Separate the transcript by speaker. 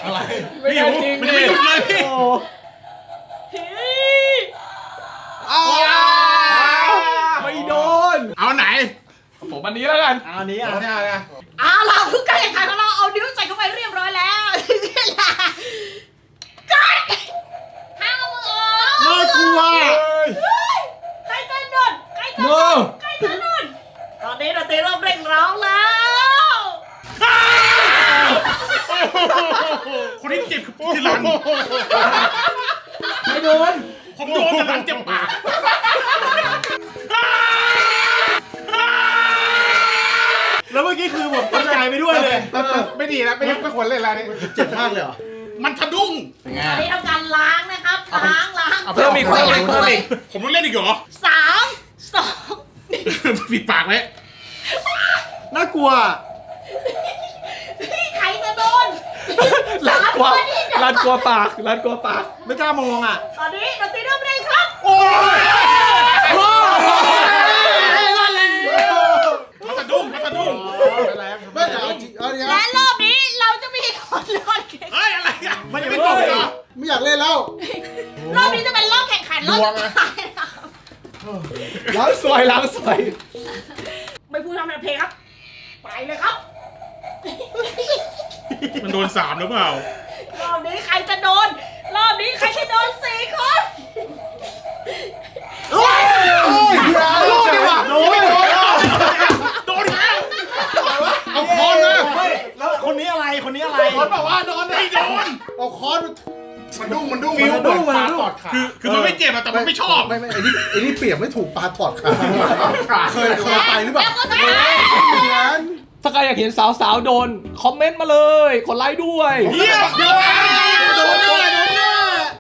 Speaker 1: อะไร
Speaker 2: ไม่ได้จริง
Speaker 3: มันจะไม่หยุดเลยพี่
Speaker 2: ไม่โดน
Speaker 3: เอาไหน
Speaker 2: ผมอันนี้แล้วกัน
Speaker 4: อันนี้อ่ะ
Speaker 5: เอาล่ะผู้การแข่งขันของเราเอานิ้วใส่เข้าไปเรียบร้อยแล้วกัดห้ามมือออก
Speaker 4: น่ากลัว
Speaker 5: ใครจะโดนใครจะโดนใครจะโดนตอนนี้เราตีเริ่มเร่งร้องแล้ว
Speaker 3: คนที่เจ็บคือหลัง
Speaker 4: ไม่โดน
Speaker 3: ผมโดนแต่หลังเจ็บปาก
Speaker 4: แล้วเมื่อกี้คือผมตกใจไปด้วยเลย
Speaker 1: ไม่ดีแล้วไม่ควรเล่นแล้วนี่
Speaker 4: เจ็บมากเลยเหรอ
Speaker 3: มันสะดุ้ง
Speaker 5: ตอนนี้ทำการล้างนะครับล้าง
Speaker 2: เพิ่มอีก
Speaker 3: ผมต้องเล่นอีกเหรอ
Speaker 5: 3 2
Speaker 3: ปิดปากไว้
Speaker 4: น่ากลัว
Speaker 5: พี่ใครจะโดน
Speaker 2: ลัดกลัว
Speaker 5: 3 คน
Speaker 2: ลัดกลัวปากลัดกลัวปาก
Speaker 4: ไม่กล้ามองอ่ะ
Speaker 5: ตอนนี้เราตีเริ่มเร่งครับ
Speaker 3: มันสะดุ้งมันสะดุ้ง
Speaker 1: ไม่เดี๋ยวเอาเดี๋ยว
Speaker 5: และรอบนี้เราจะมีคนรอดแข่ง
Speaker 3: เฮ้ยอะไรอ่ะ
Speaker 4: มันยัง
Speaker 3: ไม่
Speaker 4: ไม่
Speaker 3: ต
Speaker 4: ต
Speaker 3: ก
Speaker 4: ก
Speaker 3: เหรอ
Speaker 1: ไม่อยากเล่นแล้ว
Speaker 5: รอบนี้จะเป็นรอบแข่งขันรอบสุดท้ายนะครับ
Speaker 2: ล้างสวยล้างสวย
Speaker 5: ไม่พูดทำเพลงครับ ไปเลยครับ
Speaker 3: มันโดน3หรือเปล่าร
Speaker 5: อบนี้ใครจะโดน รอบนี้ใครจะโดน4 คน
Speaker 1: โอ้ยลูกดีกว่าโดน
Speaker 3: โดนแล้ว
Speaker 1: เอาคอนนะ
Speaker 4: เฮ้ยแล้วคนนี้อะไรคนนี้อะไร
Speaker 1: คอนบอกว่าโดน
Speaker 3: ไม่โดน
Speaker 1: เอาคอนมันดุ้งมันดุ้ง
Speaker 4: ฟิลเหมือนปลาตอดขา
Speaker 3: คือมันไม่เจ็บอะแต่มันไม่ชอบ
Speaker 1: ไม่ไอ้นี่เปรียบไม่ถูกปลาปอดขาเคยไปหรือเปล่า
Speaker 5: แล้วก็ได้
Speaker 1: อย่างนั้น
Speaker 2: ถ้าใครอยากเห็นสาวๆโดน คอมเมนต์มาเลย กดไลค์ด้วย
Speaker 3: เยี่ยม